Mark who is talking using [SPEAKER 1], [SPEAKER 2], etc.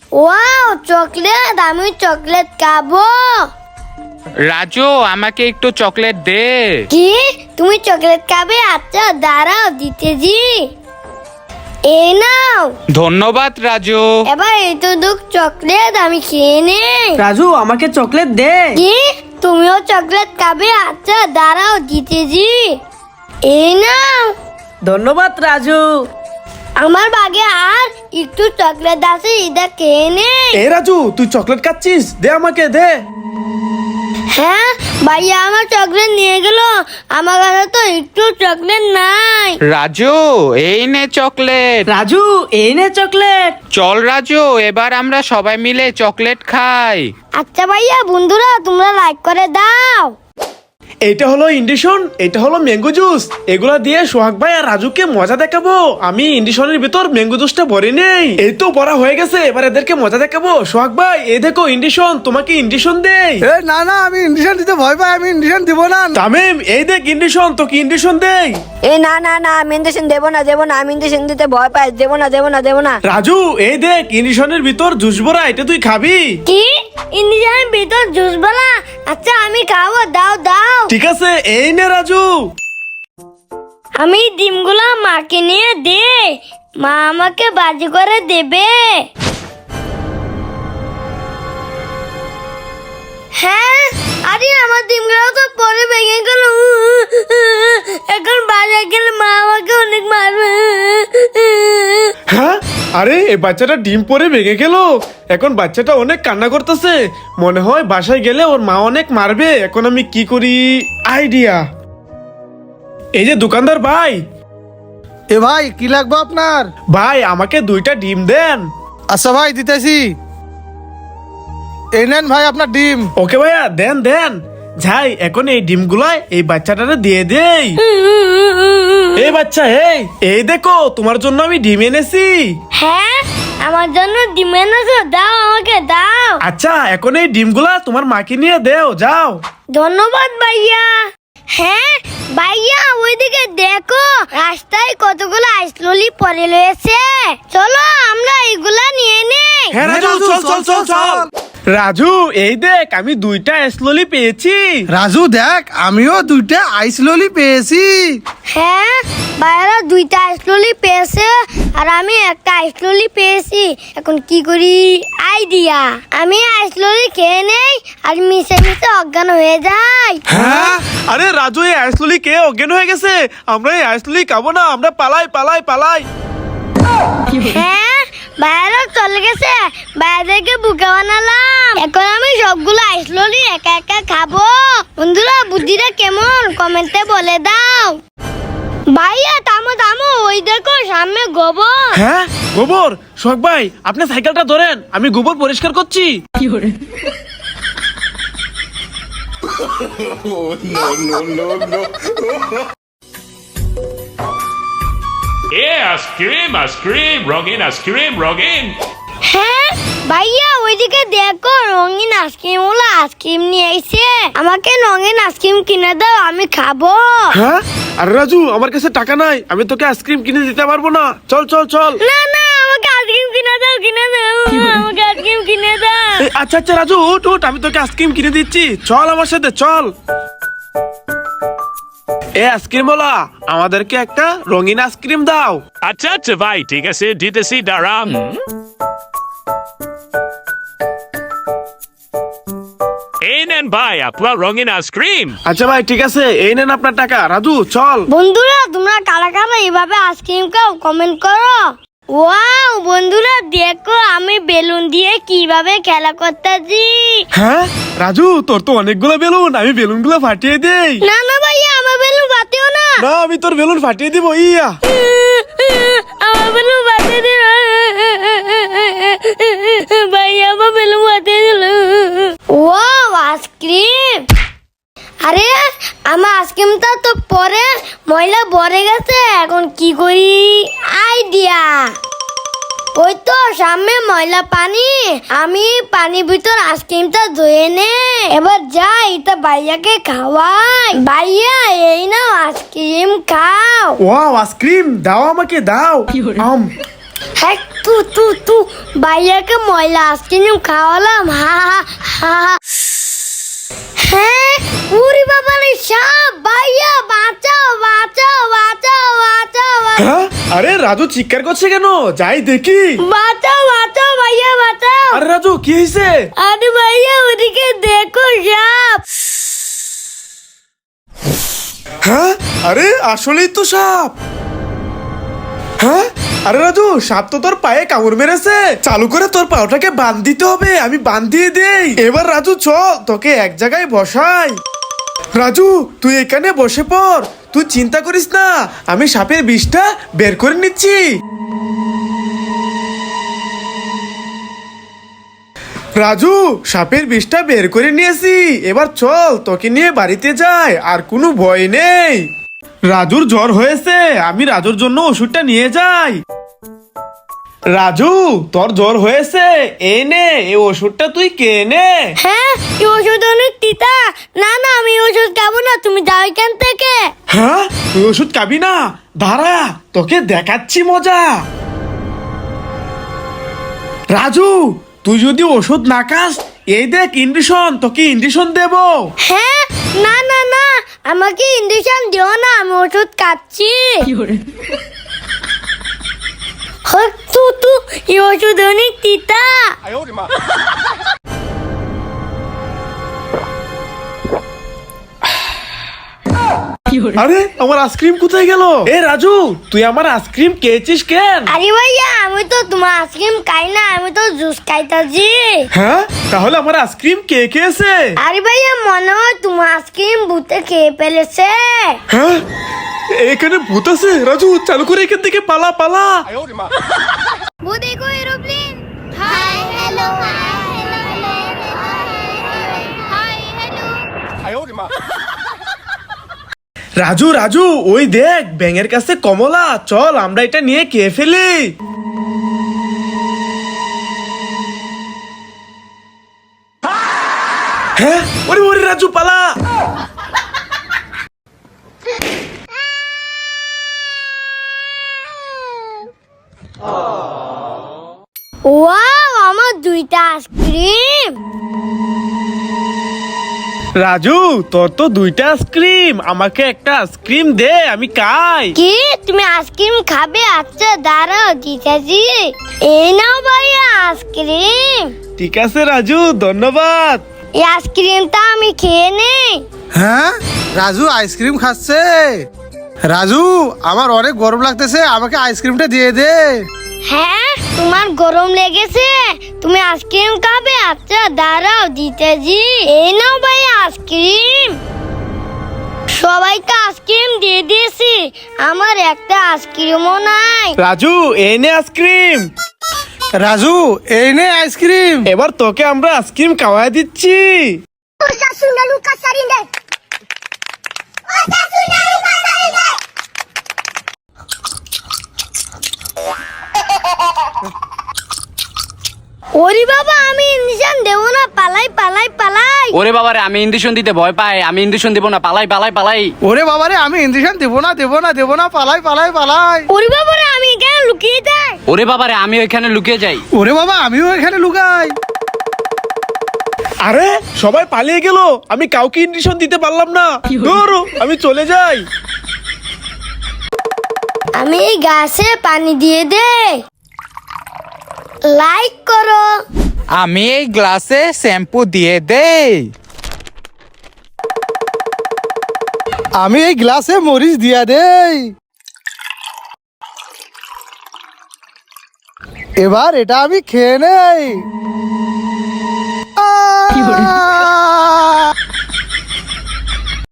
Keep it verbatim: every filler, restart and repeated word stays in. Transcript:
[SPEAKER 1] Wow chocolate, আমি chocolate খাবো।
[SPEAKER 2] রাজু আমাকে একটু চকলেট দে।
[SPEAKER 1] কি তুমি চকলেট খাবে? আচ্ছা দাঁড়াও দিতেছি, এই নাও।
[SPEAKER 2] ধন্যবাদ রাজু।
[SPEAKER 1] এবার এতটুক চকলেট আমি খেয়ে নেই।
[SPEAKER 3] রাজু আমাকে চকলেট দে।
[SPEAKER 1] কি তুমিও চকলেট খাবে? আচ্ছা দাঁড়াও দিতেছি, এই নাও।
[SPEAKER 3] ধন্যবাদ রাজু।
[SPEAKER 1] আমার বাগে আর একটু চকলেট আছে, এটা খেয়ে নেই।
[SPEAKER 4] এ রাজু, তুই চকলেট খাচ্ছিস? দে আমাকে দে।
[SPEAKER 1] হ্যাঁ ভাইয়া আমার চকলেট নিয়ে গেল, আমার কাছে তো একটু চকলেট নাই।
[SPEAKER 2] রাজু এই নে চকলেট।
[SPEAKER 3] রাজু এই নে চকলেট।
[SPEAKER 2] চল রাজু, এবার আমরা সবাই মিলে চকলেট খাই।
[SPEAKER 1] আচ্ছা ভাইয়া, বন্ধুরা তোমরা লাইক করে দাও।
[SPEAKER 4] এইটা হলো ইন্ডিশন, এটা হলো ম্যাঙ্গো জুস। এগুলা দিয়ে সোহাগ ভাই আর রাজুকে মজা দেখাবো। আমি ইন্ডিশনের ভিতর ম্যাঙ্গো জুসটা ভরে নেই, এই তো ভরা হয়ে গেছে। এবার এদেরকে মজা দেখাবো। সোহাগ ভাই এই দেখো ইন্ডিশন, তোমাকে ইন্ডিশন দেই।
[SPEAKER 5] এ না না, আমি ইন্ডিশন দিতে ভয় পাই, আমি ইন্ডিশন দিব না।
[SPEAKER 4] তামিম এই দেখ ইন্ডিশন, তোকে ইন্ডিশন দেই।
[SPEAKER 6] এ না না না, আমি ইন্ডেকশন দেবো না দেবো না, আমি ইন্ডেকশন দিতে ভয় পাই, দেবো না দেবো না দেবো না।
[SPEAKER 4] রাজু এই দেখ ইন্ডিশনের ভিতর জুস ভরা, এটা তুই খাবি?
[SPEAKER 1] কি ইন্ডিয়ান ভিতর জুস বালা? আচ্ছা আমি খাবো, দাও দাও।
[SPEAKER 4] ঠিক আছে এই নে রাজু।
[SPEAKER 1] আমি ডিমগুলো মাকে নিয়ে দে, মা আমাকে বাজি করে দেবে। হ্যাঁ আরে আমার ডিমগুলো তো পরে ভেঙে গেল, এখন বাজারে গেলে মা আমাকে অনেক মারবে।
[SPEAKER 4] হ্যাঁ আরে এই বাচ্চাটা ডিম পরে ভেঙে গেল, এখন বাচ্চাটা অনেক কান্না করতেছে। মনে হয় বাসায় গেলে ওর মা অনেক মারবে। এখন আমি কি করি? আইডিয়া, এই যে দোকানদার ভাই,
[SPEAKER 5] এ ভাই কি লাগবে আপনার?
[SPEAKER 4] ভাই আমাকে দুইটা ডিম দেন।
[SPEAKER 5] আচ্ছা ভাই দিতেছি, এই নেন ভাই আপনার ডিম।
[SPEAKER 4] ওকে ভাইয়া দেন দেন। যাই এখন এই ডিমগুলা এই বাচ্চাটারে দিয়ে দেই। এই বাচ্চা এই এই দেখো তোমার জন্য আমি ডিম এনেছি।
[SPEAKER 1] হ্যাঁ আমার জন্য ডিম এনেছো, দাও আমাকে দাও।
[SPEAKER 4] আচ্ছা এখন এই ডিমগুলা তোমার মাকে নিয়ে দেও, যাও।
[SPEAKER 1] ধন্যবাদ ভাইয়া। হ্যাঁ ভাইয়া ওইদিকে দেখো, রাস্তায় কতগুলো আইসললি পড়ে রয়েছে, চলো আমরা এগুলা নিয়ে নেই।
[SPEAKER 4] হ্যাঁ রাজু চল চল চল চল। রাজু এই দেখ আমি দুইটা এসললি পেয়েছি।
[SPEAKER 5] রাজু দেখ, আমিও দুইটা আইস ললি পেয়েছি।
[SPEAKER 1] হ্যাঁ ভাইয়ারা দুইটা আইসললি পেয়েছে আর আমি একটা আইসললি পেয়েছি। এখন কি করি? আইডিয়া, আমি আইসললি খেয়ে নেই আর মিশে মিশে অজ্ঞান হয়ে যাই।
[SPEAKER 4] হ্যাঁ আরে রাজু এই আইসললি কে অজ্ঞান হয়ে গেছে? আমরা এই আইসললি খাবো না, আমরা পালাই পালাই পালাই।
[SPEAKER 1] হ্যাঁ বাইরে চলে গেছে, বাইরেকে বুকে বানালাম। এখন আমি সবগুলো আইসললি একা একা খাবো। বন্ধুরা বুদ্ধিটা কেমন কমেন্টে বলে দাও। ভাইয়া থামো থামো, ওই দেখো সামনে গোবর।
[SPEAKER 4] হ্যাঁ গোবর? সোহাগ ভাই আপনি সাইকেলটা ধরেন, আমি গোবর পরিষ্কার করছি।
[SPEAKER 7] এ আইসক্রিম আইসক্রিম রঙিন আইসক্রিম রঙিন।
[SPEAKER 1] হ্যাঁ ভাইয়া ওইদিকে দেখো রঙিন আইসক্রিম ওলা আইসক্রিম নিয়ে এসে, আমাকে রঙিন আইসক্রিম কিনে দাও, আমি খাবো।
[SPEAKER 4] হ্যাঁ আরে রাজু আমার কাছে টাকা নাই, আমি তোকে আইসক্রিম কিনে দিতে পারবো না। চল চল চল।
[SPEAKER 1] না না আমাকে আইসক্রিম কিনে দাও, কিনে দাও, আমাকে আইসক্রিম কিনে দাও।
[SPEAKER 4] এই, আচ্ছা আচ্ছা রাজু উঠ উঠ, আমি তোকে আইসক্রিম কিনে দিচ্ছি, চল আমার সাথে চল। এ আইসক্রিম ওলা আমাদেরকে একটা রঙিন আইসক্রিম দাও।
[SPEAKER 7] আচ্ছা আচ্ছা ভাই ঠিক আছে দিতেছি, দাঁড়ান। এই নেন ভাই আপনার রঙিন আইসক্রিম।
[SPEAKER 4] আচ্ছা ভাই ঠিক আছে, এই নেন আপনার টাকা। রাজু চল।
[SPEAKER 1] বন্ধুরা তোমরা কারা কারা এইভাবে আইসক্রিম খাও কমেন্ট করো। ওয়াও বন্ধুরা দেখো আমি বেলুন দিয়ে কিভাবে খেলা করতেছি।
[SPEAKER 4] হ্যাঁ রাজু তোর তো অনেকগুলো বেলুন, আমি বেলুনগুলো ফাটিয়ে দেই।
[SPEAKER 1] না না ভাইয়া আমার বেলুন বাতিও না।
[SPEAKER 4] না আমি তোর বেলুন ফাটিয়ে দিব। ইয়া
[SPEAKER 1] আমার বেলুন বাতিয়ে দিল ভাইয়া, আমার বেলুন বাতিয়ে দিল। Wow ice cream. আরে আমার আইসক্রিমটা তো পরে ময়লা ভরে গেছে, এখন কি করি? আইডিয়া, ওই তো সামনে ময়লা পানি, আমি পানির ভিতর আইসক্রিমটা ধুয়ে নে। এবার যাই এটা ভাইয়াকে খাওয়াই। ভাইয়া এই নাও আইসক্রিম খাও।
[SPEAKER 4] ওয়াও আইসক্রিম দাও আমাকে দাও। আম
[SPEAKER 1] হ্যাঁ তু তু তু ভাইয়াকে ময়লা আইসক্রিম খাওয়ালাম হা হা হা হা। হ্যাঁ উরি বাবা রে সাপ ভাইয়া বাঁচাও বাঁচাও বাঁচাও বাঁচাও বাঁচাও।
[SPEAKER 4] হ্যাঁ আরে রাজু চিৎকার করছে কেন? যাই দেখি।
[SPEAKER 1] বাঁচাও বাঁচাও ভাইয়া বাঁচাও।
[SPEAKER 4] আরে রাজু কি হয়েছে?
[SPEAKER 1] আরে ভাইয়া ওদিকে দেখো সাপ।
[SPEAKER 4] হ্যাঁ আরে আসলেই তো সাপ। হ্যাঁ আরে রাজু সাপ তো তোর পায়ে কামড় মেরেছে। চালু করে তোর পাওটাকে বাঁধ দিতে হবে। আমি বাঁধ দিয়ে দেই। এবার রাজু চল তোকে এক জায়গায় বসাই। রাজু তুই এখানে বসে পড়। তুই চিন্তা করিস না, আমি সাপের বিষটা বের করে নিচ্ছি। রাজু সাপের বিষটা বের করে নিয়েছি। এবার চল তোকে নিয়ে বাড়িতে যাই। আর কোনো ভয় নেই। রাজুর জ্বর হয়েছে, আমি রাজুর জন্য ওষুধটা নিয়ে যাই। রাজু তোর জ্বর হয়েছে, এই নে এই ওষুধটা তুই কে নে।
[SPEAKER 1] হ্যাঁ এই ওষুধ অনেক তিতা। না না আমি এই ওষুধ খাবো না, তুমি যাও এখান থেকে।
[SPEAKER 4] হ্যাঁ তুই ওষুধ খাবি না? দাঁড়া তোকে দেখাচ্ছি মজা। রাজু তুই যদি ওষুধ না খাস, এই দেখ ইঞ্জেকশন, তোকে ইঞ্জেকশন দেব।
[SPEAKER 1] হ্যাঁ না না না আমাকে ইঞ্জেকশন দিও না, আমি ওষুধ খাচ্ছি। হ্যাঁ, তু তু এই ওষুধ অনেক তিতা।
[SPEAKER 4] আরে আমার আইসক্রিম কোথায় গেল? এ রাজু তুই আমার আইসক্রিম খেয়েছিস কেন?
[SPEAKER 1] আরে ভাইয়া আমি তো তোমার আইসক্রিম খাই না, আমি তো জুস খাইতাছি।
[SPEAKER 4] হ্যাঁ তাহলে আমার আইসক্রিম কে খেয়েছে?
[SPEAKER 1] আরে ভাইয়া মনে হয় তোমার আইসক্রিম ভূতে খেয়ে ফেলেছে।
[SPEAKER 4] হ্যাঁ এখানে ভূত আছে। রাজু চালু করে এখান থেকে পালা পালা।
[SPEAKER 1] वो देखो aeroplane. Hi hello hi hello hi hello.
[SPEAKER 4] Raju Raju ওই দেখ ব্যাঙের কাছে কমলা, চল আমরা এটা নিয়ে খেয়ে ফেলি। হ্যাঁ ওরে ওরে রাজু পালা।
[SPEAKER 1] ওয়াও আমার দুইটা আইসক্রিম।
[SPEAKER 4] রাজু তোর তো দুইটা আইসক্রিম, আমাকে একটা আইসক্রিম দে আমি খাই।
[SPEAKER 1] কি তুমি আইসক্রিম খাবে? আচ্ছা দাঁড়াও দিতেছি। এই নাও ভাইয়া আইসক্রিম।
[SPEAKER 4] ঠিক আছে রাজু ধন্যবাদ।
[SPEAKER 1] এই আইসক্রিমটা আমি খেয়ে নেই।
[SPEAKER 5] হ্যাঁ রাজু আইসক্রিম খাচ্ছে। রাজু আমার অনেক গরম লাগতেছে, আমাকে আইসক্রিমটা দিয়ে দে।
[SPEAKER 1] হ্যাঁ তোমার গরম লেগেছে, তুমি আইসক্রিম খাবে? আচ্ছা দাঁড়াও দিতেছি। এই নাও ভাই আইসক্রিম। সবাইকে আইসক্রিম দিয়ে দিয়েছি, আমার একটা আইসক্রিমও নাই।
[SPEAKER 4] রাজু এই নে আইসক্রিম।
[SPEAKER 5] রাজু এই নে আইসক্রিম।
[SPEAKER 4] এবার তোকে আমরা আইসক্রিম খাওয়াই দিচ্ছি।
[SPEAKER 1] ওরে বাবা আমি ইঞ্জেকশন দেবো না, পালাই পালাই পালাই।
[SPEAKER 3] ওরে বাবারে আমি ইঞ্জেকশন দিতে ভয় পাই, আমি ইঞ্জেকশন দিব না, পালাই পালাই পালাই।
[SPEAKER 5] ওরে বাবারে আমি ইঞ্জেকশন দেবো না দেবো না দেবো না, পালাই পালাই পালাই।
[SPEAKER 1] ওরে বাবা রে আমি এখানে লুকিয়ে যাই।
[SPEAKER 3] ওরে বাবারে আমি ওইখানে লুকিয়ে যাই।
[SPEAKER 5] ওরে বাবা আমিও এখানে লুকাই।
[SPEAKER 4] আরে সবাই পালিয়ে গেল, আমি কাউকে ইঞ্জেকশন দিতে পারলাম না। ধরো আমি চলে যাই।
[SPEAKER 1] আমি এই গাছে পানি দিয়ে দে। লাইক করো।
[SPEAKER 2] আমি এই গ্লাসে শ্যাম্পু দিয়ে দেই।
[SPEAKER 5] আমি এই গ্লাসে মরিচ দিয়া দেই। এবার এটা আমি খেয়ে নেই। আহ!